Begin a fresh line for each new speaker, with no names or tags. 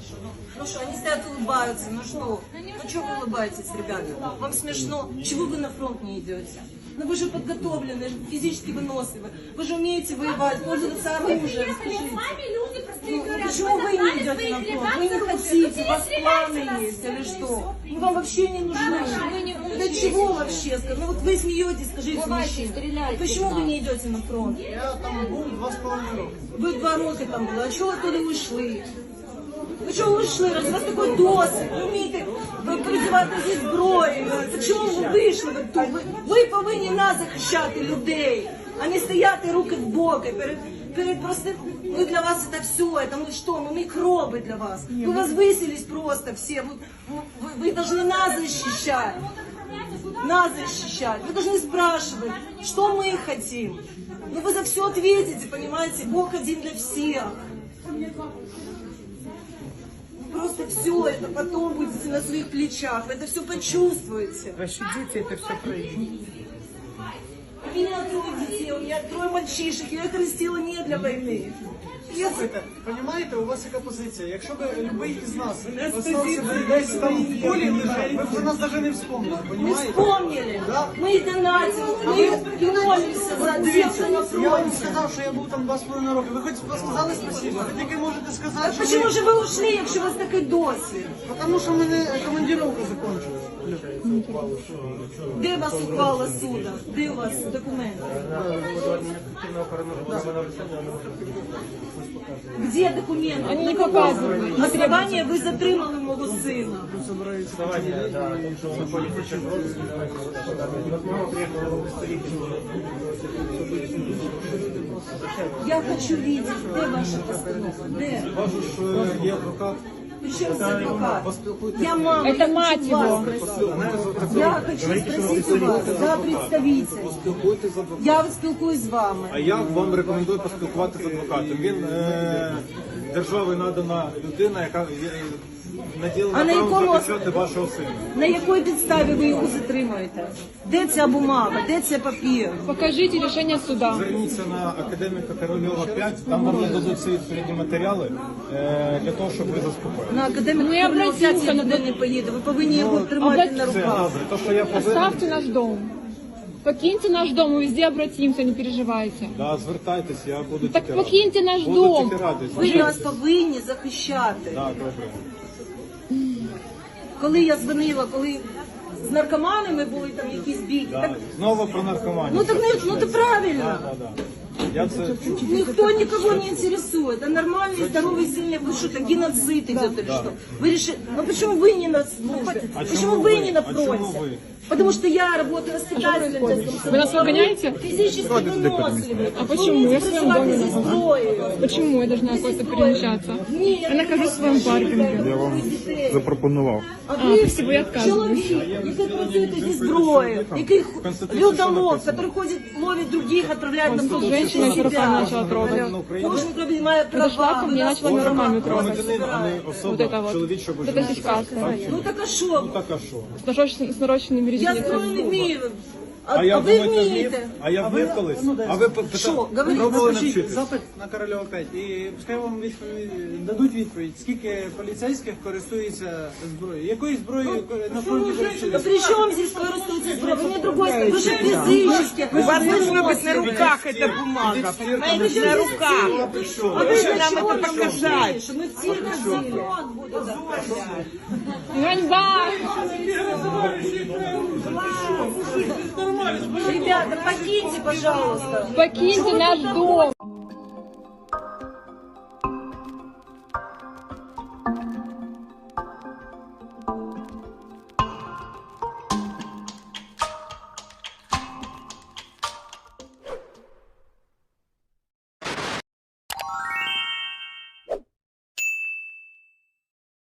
хорошо. Ну что, они стоят, улыбаются, ну что? Ну что вы улыбаетесь, ребята? Вам смешно? Чего вы на фронт не идете? Ну вы же подготовлены, физически выносливы. Вы же умеете воевать, пользоваться оружием. Скажите. Ну, почему вы не идете на фронт? Вы не хотите, у вас планы есть или что? Мы вам вообще не нужны. Для чего вообще? Ну вот вы смеетесь, скажите, мужчина. Почему вы не идете на фронт?
Я там був 2,5 роки.
Ви 2 роки там були, а чого ви туди ушли? Ви чого вийшли? Раз у вас такий досвід, ви вмієте призивати зі зброєю. Так чому ви вийшли? Ви повинні нас захищати, людей, а не стояти руки в боки перед простым. Мы для вас это все, это мы что, мы микробы для вас. Вы возвысились просто все, вы должны нас защищать. Нас защищать. Вы должны спрашивать, что мы хотим. Ну вы за все ответите, понимаете, Бог один для всех. Просто все это потом будете на своих плечах, вы это все почувствуете.
Ваші діти это все пройдуть.
У меня 3 детей, у меня 3 мальчишек, я их растила не для войны.
Слухайте, розумієте, у вас яка позиція? Якщо б любий із нас остався десь там в полі лежать, ви б про нас навіть не вспомнили,
Мы
розумієте?
вспомнили, мы донатим, мы молимся за тех, кто на
Я вам
фронте.
сказав, що я був там 2,5 роки. Ви хоч сказали спасибо? Ви тільки можете сказати,
А
що
почему же вы ушли, якщо у вас такий досвід?
Тому що в мене командировка закінчилась.
Де у вас ухвала суду? Де у вас документи? Где документы? Они не показывают. На основании вы затримали мого сына. Я хочу видеть, где ваша постанова? Где?
Кажу, що є адвокат.
Причем здесь адвокат? Я мама.
Это мать его.
Я хочу спросить у вас, за представитель.
Спілкуйтесь з адвокатом.
Я спілкуюсь з вами.
А я вам рекомендую поспілкуватися з адвокатом. Він державою надана людина, яка наділена
А на
правом
якому
захищати вашого сина.
На якій підставі ви його затримуєте? Де ця бумага? Де цей папір?
Покажите решение суда.
Зверніться на академіка Корольова 5, там вам нададуть всі відповідні матеріали для того, щоб ви заспокоїли.
На академіку
Ну, я
Корольова
обратився
5 я
на
ніде не поїду. Ви повинні його тримати на
Це
руках.
добре, то, що я повинен,
Оставьте наш дом. Покиньте наш дом, мы везде обратимся, не переживайте.
да, звертайтесь, я буду
Так
тільки радий.
покиньте наш
Буду
дом.
тільки радий.
Ви нас повинні захищати.
Да, добре.
Коли я дзвонила, коли з наркоманами були там якісь бійки,
Да.
так,
Знову про наркоманію.
ну так ну то правильно.
Да. Я це
Никто никого не интересует. А нормальный, здоровый, сильный, вы что, так геноцид идет или что? Вы решили, ну почему вы не на службе? Почему вы не на
почему
фронте?
вы?
Потому что я работаю воспитателем.
Вы нас выгоняете?
Физически выносливы.
А почему? Я в своем доме
здесь
нахожусь.
зброєю.
Почему я должна куда-то перемещаться? Я нахожусь в своем паркинге.
Я вам запропонував.
А ви
спасибо, я відказуюсь.
чоловік, який працює зі зброєю, який людолов, який ходить, ловить других, відправляє на
Тут женщина меня руками начала трогать.
Кожен робить має
Подошла
права.
ко мне, начала меня руками трогать.
громадянин, а не
Вот
особа
это вот.
чоловічого
Вот это сейчас.
Ну так а що?
Так а що?
С нарощенными
Я
резинками.
зброю не вмію.
А я
А ви
думаю, не вмів.
вмієте?
А я вмів колись. А ви
Що? Говоріть.
пробували
Напишіть
навчитись?
запит на Корольова 5 і пускай вам дадуть відповідь, скільки поліцейських користується зброєю. Якою зброєю на фронті
Да
користуються?
при чем здесь користуется зброя? Вы мне другой скажете. Вы же физически.
У вас должна быть на руках эта бумага, понимаете, на руках.
А вы
Вы нам
для чего
это
нам
показать.
нужны? Что мы все ходили.
Ганьба!
Ребята, покиньте, пожалуйста.
Покиньте наш дом!